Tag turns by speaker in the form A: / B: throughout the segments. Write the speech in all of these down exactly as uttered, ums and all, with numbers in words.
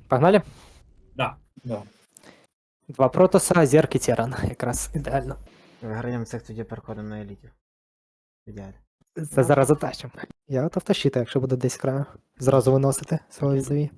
A: Погнали?
B: Да.
C: Да.
A: Два протоса, Зерк і Теран. Якраз ідеально.
D: Виграємо цих, тоді переходимо на елітів. Ідеально.
A: Це зараз затащимо. Я готов тащити, якщо буде десь краю. Зразу виносити свого візові.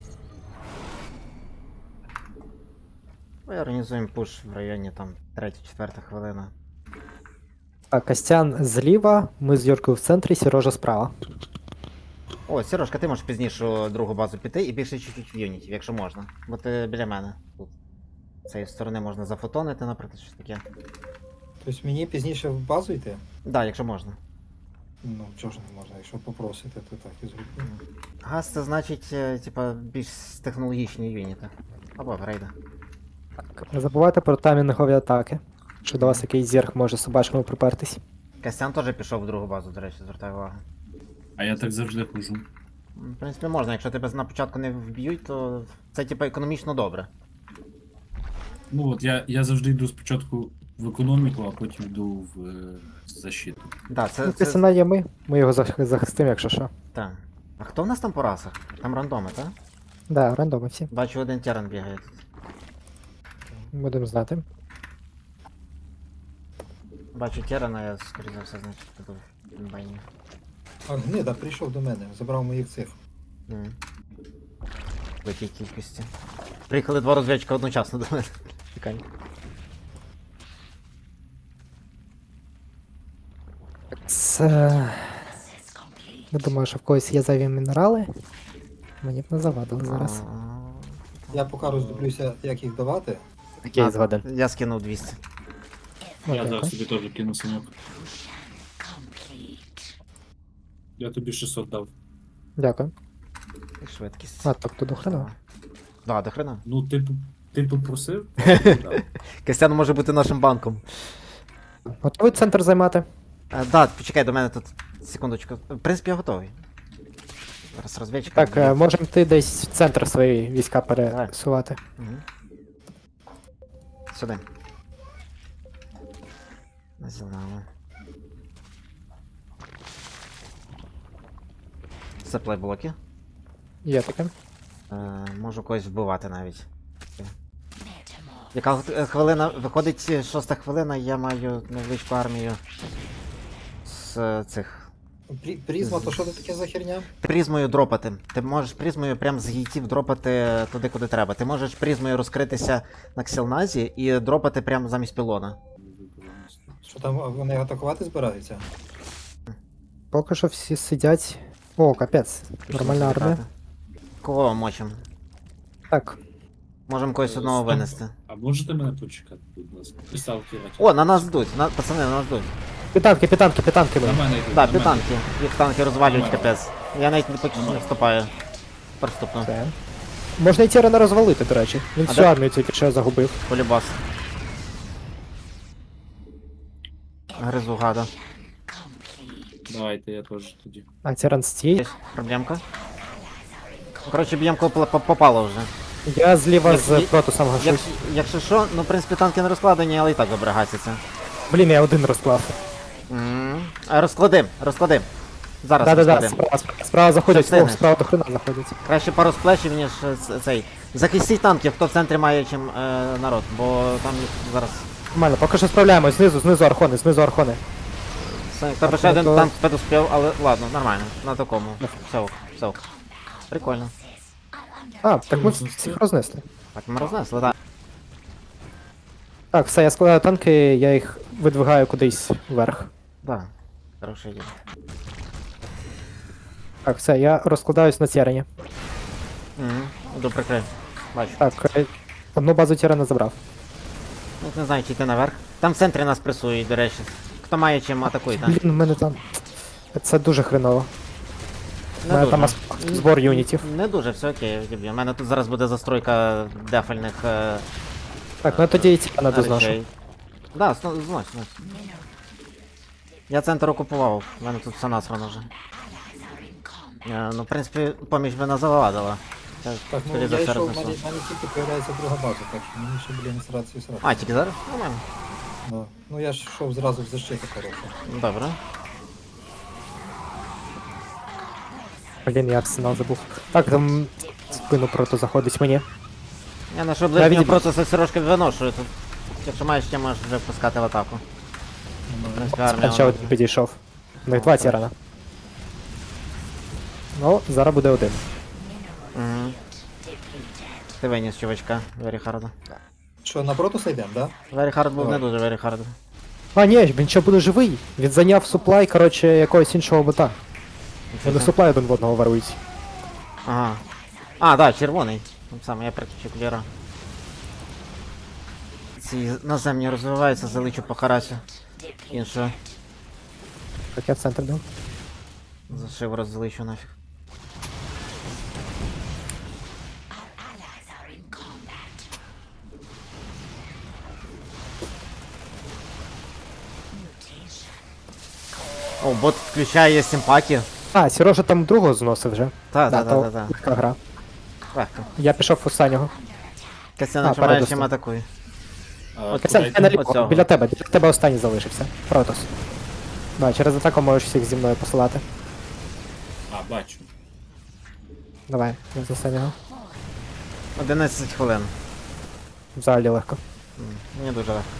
D: Ми організуємо пуш в районі там третя-четверта хвилина.
A: Так, Костян зліва, ми з Юркою в центрі, Сережа справа.
D: О, Сережка, ти можеш пізніше у другу базу піти і більше чуть-чуть в юніті, якщо можна. Бо ти біля мене тут. З цієї сторони можна зафотонити, наприклад, щось таке.
C: Тобто мені пізніше в базу йти?
D: Так, да, якщо можна.
C: Ну, чого ж не можна, якщо попросити, то так і зроблю.
D: Газ це значить, е, типа, більш технологічні юніти. Або грейда.
A: Не забувайте про таймінгові атаки. Що до вас якийсь зерк може собачками припертись.
D: Костян теж пішов в другу базу, до речі, звертаю увагу.
B: А я так завжди хожу.
D: М, В принципі, можна, якщо тебе на початку не вб'ють, то це типа економічно добре.
B: Ну от я, я завжди йду спочатку в економіку, а потім йду в е, защиту.
D: Да, це,
A: Ну,
D: це...
A: Костяна є ми, ми його зах- захистимо, якщо що.
D: Так. А хто в нас там по расах? Там рандоми, так?
A: Да, рандоми всі.
D: Бачу, один теран бігає тут.
A: Будемо знати.
D: Бачу терана, я скоріше за все, значить, піду в інбайні.
C: А гнида прийшов до мене, забрав моїх цих.
D: Mm. В якій кількості. Приїхали два розвідчика одночасно до мене. Чекай.
A: Це... Я думаю, що в когось є зайві мінерали. Мені б не завадили зараз.
C: Я поки роздивлюся, як їх давати.
A: Окей,
D: А,
A: згоден.
D: Я скинув двісті.
A: Ну,
B: я
A: дякую.
B: зараз тобі теж кину саньок. Я тобі шістсот дав.
A: Дякую.
D: І швидкість.
A: А, тобто до хрена.
D: Да, до хрена.
B: Ну, ти, п- ти попросив? я тобі дав.
D: Костян може бути нашим банком.
A: Готовий центр займати?
D: А, да, почекай, до мене тут. Секундочку. В принципі, я готовий. Зараз розвідчик.
A: Так, е, можемо ти десь в центр свої війська пересувати.
D: Угу. Сюди. На зелену. Саплай блоки.
A: Є таке.
D: Е, можу когось вбивати навіть. Яка х- хвилина, виходить е, шоста хвилина, я маю невеличку армію з е, цих.
C: Прі- Призма, то що це таке за херня?
D: Призмою дропати. Ти можеш призмою прям з гейтів дропати туди, куди треба. Ти можеш призмою розкритися на ксілназі і дропати прямо замість пілона.
C: Що там вони атакувати збираються?
A: Поки що всі сидять. О, капець. Нормальна армія.
D: Кого мочим?
A: Так,
D: Можемо когось одного винести.
B: А можете мене почекати, будь ласка? Писав кілати.
D: О, на нас йдуть, на... пацани, на нас йдуть.
A: Питанки, питанки, питанки.
B: На
A: ми.
B: мене йдуть.
D: Да,
B: на мене.
D: підтанки. Їх танки розвалюють
B: Нормально.
D: капець. Я навіть не поки що не вступаю. Приступно.
A: Це. Можна і Тірана розвалити, до речі. Він
D: А
A: всю
D: де-
A: армію тільки що загубив.
D: Полюбас. Гризу гада.
B: Давайте я теж тоді.
A: А Тіран стій.
D: Є проблемка. Коротше, б'єм кого пла- по- попало вже.
A: Я зліва
D: Як-
A: з
D: як-
A: протусом
D: Як,
A: гашусь.
D: якщо що, ну в принципі танки не розкладені, але і так добре гасяться.
A: Блін, я один розклав.
D: М. А розклади, розклади. Зараз
A: Да-да-да,
D: розклади.
A: справа, справа, справа заходять,
D: Це
A: о,
D: не.
A: справа до хрена заходять.
D: Краще пару сплешів, ніж е, ц- цей. Захистіть танків, хто в центрі має чим е, народ, бо там їх зараз.
A: Нормально, поки що справляємось, знизу, знизу архони, знизу архони.
D: Це- Тебе ще один
A: то-
D: танк підуспів, але ладно, нормально, на такому. Все ок, все ок. Прикольно.
A: А, так ми всіх рознесли.
D: Так, ми рознесли, так.
A: Так, все, я складаю танки, я їх видвигаю кудись вверх.
D: Да. Хороша ідея.
A: Так, все, я розкладаюсь на Тірані.
D: Угу. Іду прикрив. Бачу.
A: Так, е, одну базу Тірана забрав.
D: Ну, не знаю, чи йти наверх. Там в центрі нас пресують, до речі. Хто має чим атакує, так?
A: Блін, в мене там. Це дуже хреново. У мене там ас- збор юнітів.
D: Не дуже, все окей, відіб'ю. У мене тут зараз буде застройка дефальних е,
A: Так, ну я тоді і Тірана дозношу.
D: речей. Да, зно- знось, знось. Я центр окупував, у мене тут все насрано вже. Е, ну, в принципі, поміч би не завадила. Це,
C: Так, ну
D: скоріше за
C: я
D: все,
C: йшов, в
D: рознесу.
C: мене, в мене тільки появляється друга база, так що мені ще, блін, срацію срати.
D: А, тільки зараз? Нормально.
C: Да. Ну я ж йшов зразу в защиту хорошу.
D: Добре.
A: Блін, я арсенал забув. Так, там в спину прото заходить мені.
D: Я на що
A: Я
D: ближнього
A: відійду.
D: просто все трошки виношую тут. Якщо маєш, ще можеш вже пускати в атаку. В принципі, армія.
A: Ще
D: вона-
A: один підійшов. У них два тірана. Ну, зараз буде один.
D: Мгм. Ти виніс чувачка, Веріхарда.
C: Що, на Протуса йдемо, да?
D: Веріхард був не
C: Давай.
D: дуже Веріхард.
A: А, ні, він ще буде живий. Він зайняв суплай, коротше, якогось іншого бота. Вони суплай один в одного варують.
D: Ага. А, да, червоний. Там саме, я прикричу кулера. Ці наземні розвиваються, заличу по харасю. Іншого.
A: Так я в центр дав.
D: Зашив роззаличу нафіг. О, бот включає симпаті.
A: А, Сережа там другого зносив вже.
D: Та,
A: Да,
D: та,
A: то
D: та, та,
A: легка гра.
D: та. Легко.
A: Я пішов останнього.
D: Костян,
A: А,
D: якщо маєш,
A: передостав.
D: чим атакуй.
B: А,
A: Костян,
B: куди
A: ти
B: йти?
A: наліво,
D: Оцього.
A: біля тебе, біля тебе останній залишився. Протос. Да, через атаку можеш всіх зі мною посилати.
B: А, бачу.
A: Давай, я з останнього.
D: одинадцять хвилин.
A: Взагалі легко.
D: М, Мені дуже легко.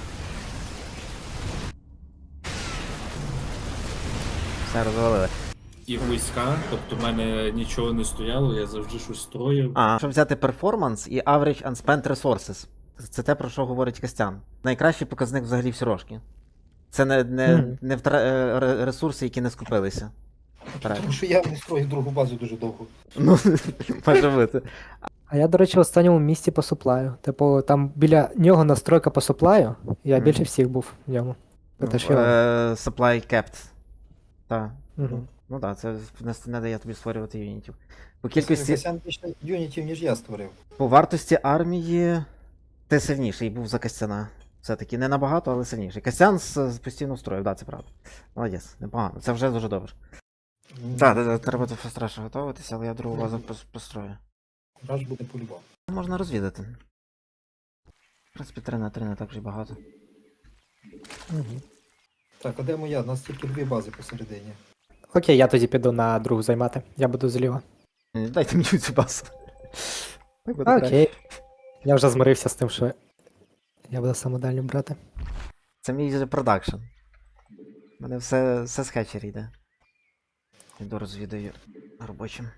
D: Все розвалили.
B: І війська, тобто в мене нічого не стояло, я завжди щось строїв.
D: А, щоб взяти перформанс і average unspent resources. Це те, про що говорить Костян. Найкращий показник взагалі в сірошки. Це не, не,
A: Мгм.
D: не втра... е, ре- ресурси, які не скупилися.
C: Тому що я не строїв другу базу дуже довго.
D: Ну, може бути.
A: А я, до речі, в останньому місці по суплаю. Типу, там біля нього настройка по суплаю, я
D: Мгм.
A: більше всіх був в ньому. Це теж його.
D: Е, Supply capped. Так.
A: Мгм.
D: Ну так, це не, не дає тобі створювати юнітів. По кількості,
C: Костян більше юнітів, ніж я створив.
D: по вартості армії ти сильніший був за Костяна. Все-таки не набагато, але сильніший. Костян з, з постійно строїв, так, да, це правда. Молодець, непогано. Це вже дуже добре. Так, так, так, треба до фастраша готуватися, але я другу базу пос- построю.
C: Раш буде по-любому.
D: Можна розвідати. В принципі, три на три не так вже й багато.
A: Мгм.
C: Так, а де моя? У нас тільки дві бази посередині.
A: Окей, я тоді піду на другу займати. Я буду зліва.
D: Ні, дайте мені цю базу. Так буде краще.
A: Окей. Я вже змирився з тим, що я буду саме дальню брати.
D: Це мій вже продакшн. У мене все, все з хетчері йде. Йду розвідаю робочим.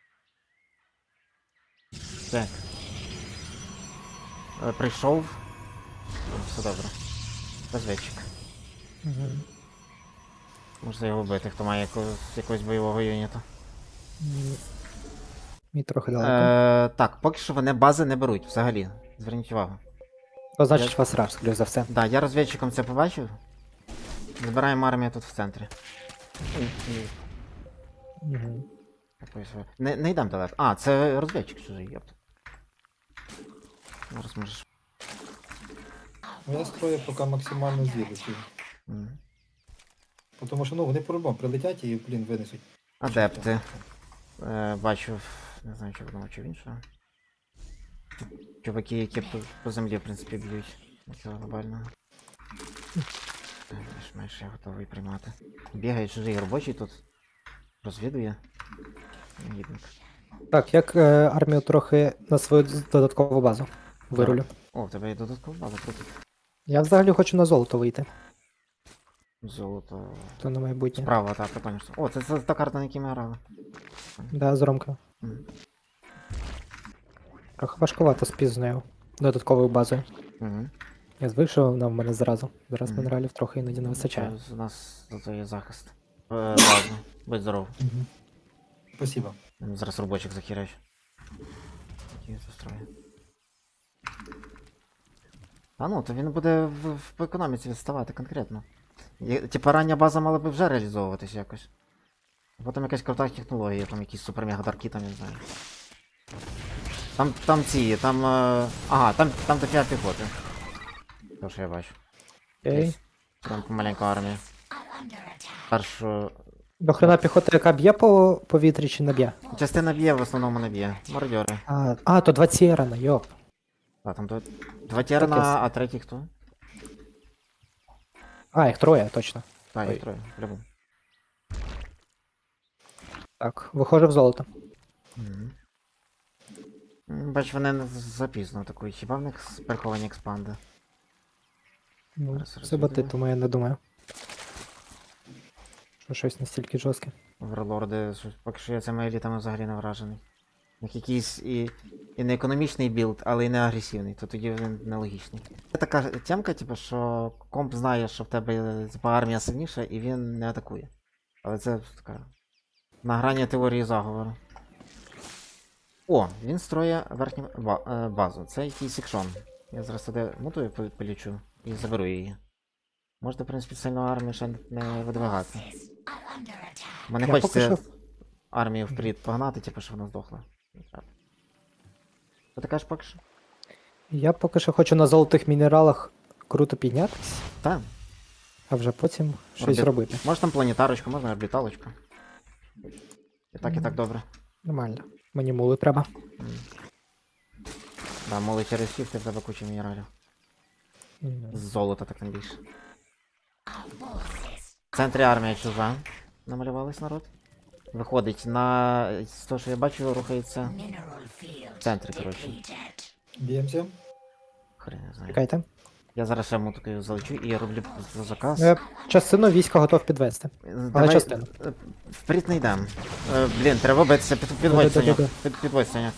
D: Так. Е, Прийшов. О, все добре. Розвідчик.
A: Мгм.
D: Можна його вбити, хто має якогось, якогось бойового юніту.
A: М, Мій трохи далеко.
D: Е, так, поки що вони бази не беруть взагалі. Зверніть увагу.
A: То значить вас раш, скоріш за все.
D: Да, я розвідчиком це побачив. Збираємо армію тут в центрі. Ой, ой,
A: Мгм.
D: якось ви- Не, не йдемо далеко. А, це розвідчик чужий, єпт. Зараз можеш.
C: Ну я строю поки максимально звідусів.
D: М.
C: Тому що ну вони по-любому прилетять і, блін, винесуть.
D: Адепти. Е, бачу, не знаю, чи в одного, чи в іншого. Чуваки, які по, по землі, в принципі, б'ють. Нічого глобального. Більш-менш я готовий приймати. Бігає чужий робочий тут. Розвідує. Негідник.
A: Так, як е, армію трохи на свою додаткову базу вирулю.
D: О, в тебе є додаткова база, круто.
A: Я взагалі хочу на золото вийти,
D: Золото.
A: то на майбутнє.
D: Справа, так, прикольно. що- О, це, це та карта, на якій ми грали.
A: Да, з Ромкою.
D: Мгм.
A: Трохи важкувато з пізнею. Додатковою базою.
D: Угу.
A: Я звик, що вона в мене зразу. Зараз
D: Мгм.
A: мінералів трохи іноді не вистачає.
D: У нас зато є захист. Е, ладно, будь здоров.
C: Угу. Спасибо.
D: М, Зараз робочих захеряч. Які застрої. А ну, то він буде в, в по економіці відставати конкретно. Є- Типа рання база мала би вже реалізовуватись якось. А потім якась крута технологія, там якісь супер дарки, там я не знаю. Там, там ці, там. Е... Ага, там, там дофіга піхоти. То, що я бачу.
A: Окей.
D: Десь. Там маленька армія. Першу.
A: До хрена піхота, яка б'є по повітрі чи не б'є?
D: Частина б'є, в основному не б'є. Мародьори.
A: А, а то два Тєрана, йоп.
D: А, там два, два терна,
A: Таке с-
D: а третій хто?
A: А, їх троє, точно.
D: Так,
A: Ой.
D: їх троє, по-любому.
A: Так, виходжу в золото.
D: Мгм. М, Бач, вони не з- запізно атакують. Хіба в них с- приховані експанди?
A: Ну,
D: Зараз
A: це боти,
D: розвідаю.
A: тому я не думаю. Що щось настільки жорстке.
D: Верлорди, щось- поки що я цими елітами взагалі не вражений. У них якийсь і, і не економічний білд, але і не агресивний, то тоді він нелогічний. Це така ж тямка, типу, що комп знає, що в тебе типу, армія сильніша, і він не атакує. Але це така на грані теорії заговору. О, він строє верхню ба- е, базу. Це якийсь ікшон. Я зараз туди мутую по- полічу і заберу її. Можете, в принципі, сильну армію ще не видвигати. Мене
A: Я
D: хочеться
A: поки що-
D: армію вперед погнати, типу, щоб вона здохла. Не треба. Що ти кажеш поки що?
A: Я поки що хочу на золотих мінералах круто піднятись,
D: Та,
A: а вже потім щось
D: Орбіт.
A: робити.
D: може там планетарочку, можна орбіталочку. І так, і так добре.
A: Нормально. Мені мули треба.
D: М. Да, моли через фіфти в тебе куча мінералів.
A: М.
D: З золота так тим більше. В центрі армія чужа. Намалювались народ. Виходить на. З того, що я бачу, рухається. В центрі, коротше.
C: Б'ємося.
D: Хрен не знаю.
A: Чекайте.
D: Я зараз ще мутикою залечу і я роблю за заказ.
A: Я частину війська готов підвести.
D: Давай,
A: частину.
D: е, Вперед не йдем. Е, Блін, треба битися, під, підводь Саня.
A: Да-да-да-да.
D: Під, підводь Саня.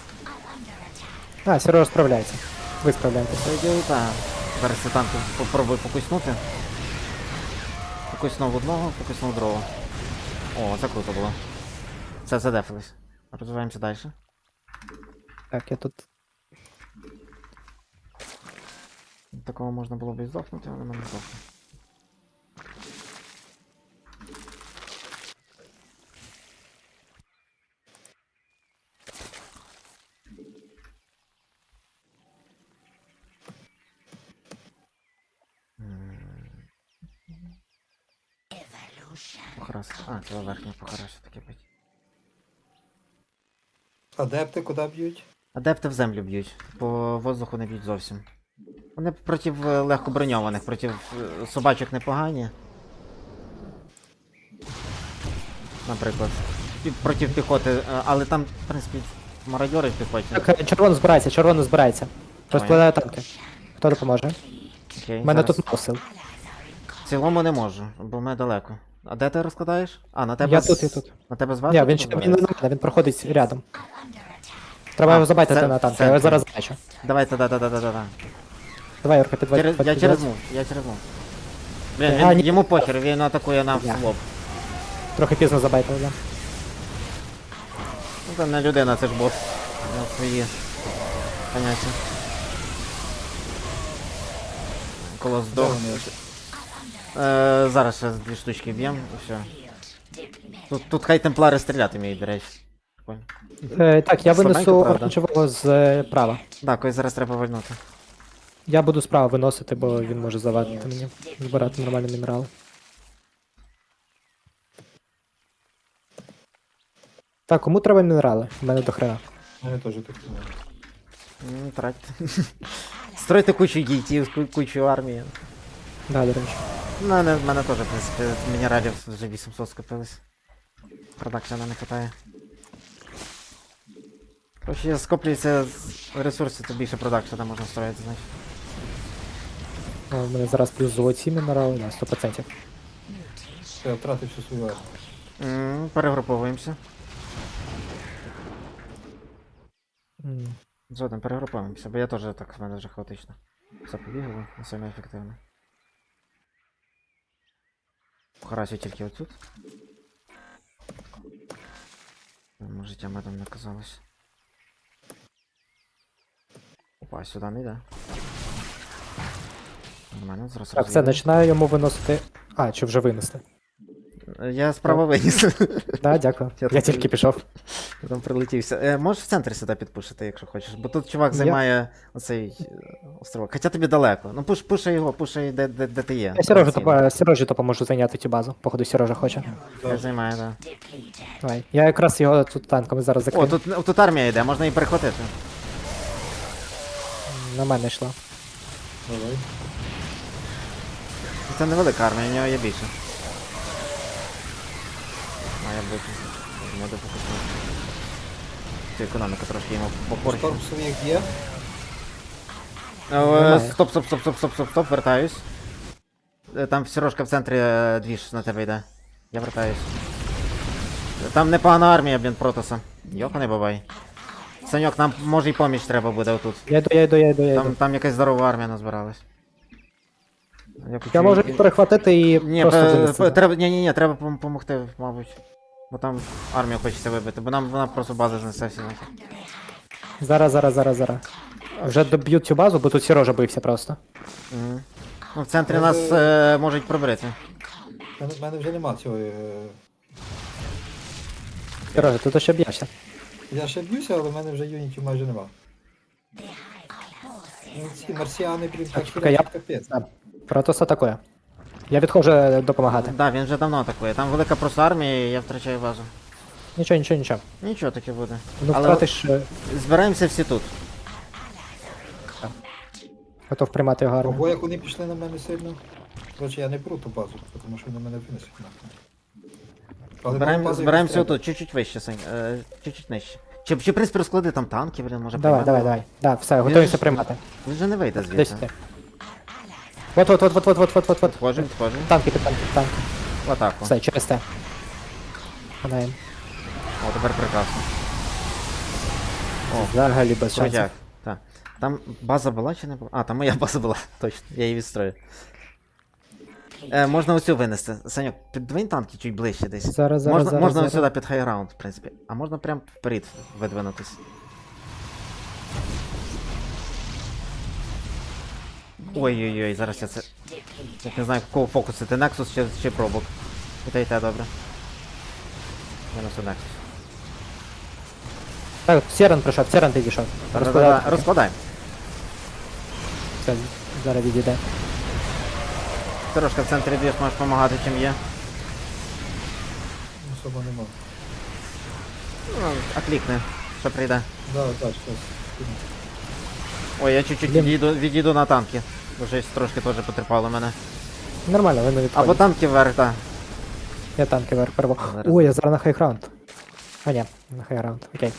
A: А, Сережа справляється. Ви справляєтесь.
D: Це діло так. Зараз я танку попробую фокуснути. Фокуснув одного, фокуснув другого. О, це круто було. Це задефились. Розвиваємося далі.
A: Так, я тут.
D: Такого можна було б і здохнути, але ми не здохли. М. Похарас. А, це верхня похарас таке бить.
C: Адепти куди б'ють?
D: Адепти в землю б'ють, по воздуху не б'ють зовсім. Вони проти е, легко броньованих, проти е, собачок непогані. Наприклад. Пі- Проти піхоти, е, але там, в принципі, мародьори в піхоті.
A: Так, е, червоно збирається, червоно збирається. Розкладаю танки. Хто допоможе?
D: Окей,
A: У мене
D: зараз.
A: тут мало сил.
D: В цілому не можу, бо ми далеко. А де ти розкладаєш? А, на тебе
A: Я
D: з-
A: тут, я тут.
D: На тебе зверху?
A: Ні, він ще він не на мене, він проходить рядом. Треба
D: А,
A: його забайтити
D: це-
A: на танки,
D: це-
A: я його зараз бачу.
D: Давайте, да-да-да-да-да.
A: Давай, Юрка, підводь.
D: Через, я
A: підводь.
D: через мув, я через мув. Блін,
A: А,
D: він,
A: ні.
D: йому похер, він атакує нам
A: Я.
D: в лоб.
A: Трохи пізно забайтили, да.
D: Ну це не людина, це ж бот. У нього свої поняття. Колос
C: Де
D: здох.
C: вони?
D: Е, зараз ще дві штучки б'ємо і все. Тут, тут хай темплари стріляти вміють, до речі. Прикольно.
A: Е, так, я
D: Слабенько,
A: винесу
D: правда.
A: оранжевого з е, права.
D: Так, когось зараз треба вальнути.
A: Я буду справа виносити, бо він може завадити мені збирати нормальні мінерали. Так, кому треба мінерали? У мене до хрена.
C: Мене теж так думаю.
D: М, Тратьте. Стройте кучу гейтів, ку- кучу армії.
A: Да, до речі.
D: Ну, мене, в мене теж, в принципі, мінералів вже вісімсот скопилось. Продакшена не хватає. Короче, скоплюється з- ресурси, то більше продакшена можна строїти, значить.
A: О, у мене зараз плюс золоті мінерали, да, сто відсотків.
C: Все, я втратив всю свою армію.
D: М, Перегруповуємося.
A: М.
D: Згодом перегруповуємося, бо я теж так, в мене вже хаотично. Все побігало, не сильно ефективно. Харасю тільки отут. Може, життя медом не казалось. Опа, сюди не йде. Нормально, зараз
A: Так, все,
D: розвіємо.
A: починаю йому виносити. А, чи вже винести?
D: Я справа виніс.
A: Да, дякую.
D: Я
A: Я
D: тут-
A: тільки пішов.
D: Там прилетівся. Е, можеш в центр сюди підпушити, якщо хочеш. Бо тут чувак
A: Я-
D: займає оцей е, островок. Хоча тобі далеко. Ну пуш, пушай його, пушай де, де, де ти є.
A: Я Сережу,
D: Офіційно.
A: допо- Сережі допоможу зайняти цю базу. Походу, Сережа хоче.
D: Я займаю, так.
A: Давай. Я якраз його тут танками зараз
D: О,
A: закрию.
D: тут, тут армія йде, можна її перехватити.
A: На мене йшла.
C: Давай.
D: Це невелика армія, у нього є більше. Має бути. Я дуже хочу. Цю економіку трошки йому попорчу.
C: Шторм своїх є.
D: Е,
A: Немає.
D: Стоп, стоп, стоп, стоп, стоп, стоп, стоп, вертаюсь. Е, Там Сережка в центрі е, двіж на тебе йде. Я вертаюсь. Там непогана армія, блін, Протоса. Йоханий бабай. Саньок, нам може й поміч треба буде отут.
A: Я йду, я йду, я йду, я йду.
D: Там, там якась здорова армія назбиралась. Я, хочу
A: Я можу
D: і-
A: їх перехватити і
D: Ні,
A: просто
D: пе-
A: винести.
D: пе- треба, ні, ні, ні, треба пом- помогти, мабуть. Бо там армію хочеться вибити, бо нам вона просто база знесе всі нафіг.
A: Зараз, зараз, зараз, зараз. Вже доб'ю цю базу, бо тут Сережа бився просто.
D: Мгм. Ну, в центрі
C: Може-
D: нас е, можуть пробити.
C: У мене, в мене вже нема цього. е,
A: Сережа, тут ще б'єшся.
C: Я ще б'юся, але в мене вже юнітів майже нема. Ну, ці марсіани, блін, так
A: чекай, я-
C: хірять, капець.
A: Так. Протос атакує. Я відходжу е, допомагати.
D: Так, да, він вже давно атакує. Там велика просто армія, і я втрачаю базу.
A: Нічого, нічого, нічого.
D: Нічого таке буде.
A: Ну
D: Але
A: втратиш, е,
D: збираємося всі тут.
A: готов приймати його армію.
C: Ого, як вони пішли на мене сильно. Коротше, я не беру ту базу, тому що вони мене винесуть нахуй. Але
D: Збираєм,
C: базу
D: збираємося
C: якусь треба.
D: отут, чуть-чуть вище, Сань, е, чуть-чуть нижче. Чи, чи в принципі розклади там танки, блін, може
A: Давай,
D: приймати?
A: давай, давай. Да, все, готуємося
D: ж-
A: приймати.
D: Він же не вийде
A: Десь
D: звідси.
A: ти. Вот, вот, вот, вот, вот, вот, вот, вот, вот.
D: Підходжу, підходжу.
A: Танки, під танки, під танки.
D: В атаку.
A: Все, через те. Ханаєм.
D: О, тепер прекрасно. О,
A: Взагалі без шансів.
D: Крутяк. Так. Там база була чи не була? А, там моя база була, точно, я її відстрою. Е, можна оцю винести. Саньок, підвинь танки чуть ближче десь.
A: Зараз, зараз,
D: можна
A: зараз,
D: можна
A: зараз.
D: ось сюди під хайграунд, в принципі. А можна прям вперед видвинутись. Ой-ой-ой, зараз я це. Я не знаю, кого фокусити, Nexus чи, чи пробок. І те, і те, добре. Я несу Nexus.
A: Так, Сіран прийшов, Сіран підійшов.
D: Розкладаємо.
A: Розкладати.
D: Розкладаємо.
A: Все, зараз відійде.
D: Трошки в центрі двіж можеш допомагати, чим є.
C: Особо нема.
D: Ну, а клікни, що прийде.
C: Да, так, щось.
D: Ой, я чуть-чуть
A: Блін.
D: відійду, відійду на танки. Бо щось трошки теж потерпало мене.
A: Нормально, вони
D: Або
A: відходять.
D: танки вверх, так.
A: Я танки вверх перво.
D: Зараз.
A: Ой, я зараз на хайграунд. А ні, на хайграунд, окей.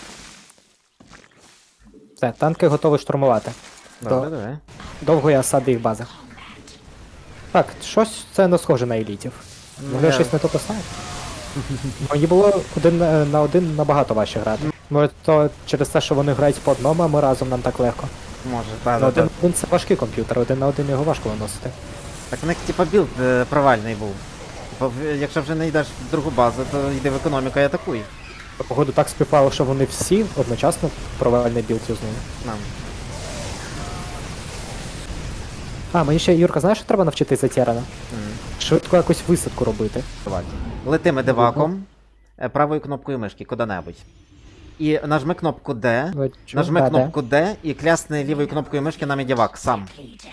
A: Все, танки готові штурмувати.
D: Добре, давай.
A: Довго я сади їх бази. Так, щось це не схоже на елітів. Може я
D: Я-
A: щось не то писав? Мені було один е, на один набагато важче грати. Може то через те, що вони грають по одному, а ми разом нам так легко.
D: Може, так,
A: Ну,
D: так.
A: один на один це важкий комп'ютер, один на один його важко виносити.
D: Так в них типа білд е, провальний був. Типа, в- якщо вже не йдеш в другу базу, то йди в економіку і атакуй.
A: Погоду так співпало, що вони всі одночасно провальний білд юзнули.
D: Нам.
A: А, мені ще, Юрка, знаєш, що треба навчитися Тєрана?
D: М.
A: Швидко якусь висадку робити.
D: Летими деваком, е, правою кнопкою мишки, куди-небудь. І нажми кнопку D,
A: Бачу.
D: нажми
A: Да, да.
D: кнопку D і клясни лівою кнопкою мишки на медівак сам.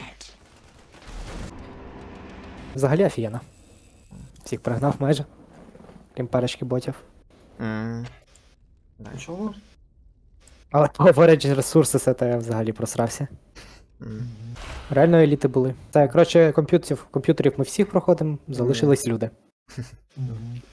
A: Взагалі офігенно. Всіх пригнав майже. Крім парочки ботів.
D: М.
C: Чого?
A: Але говорять, ресурси це та я взагалі просрався.
D: М.
A: Реально еліти були. Так, коротше, комп'ютерів, комп'ютерів ми всіх проходимо, залишились люди.
C: Мгм.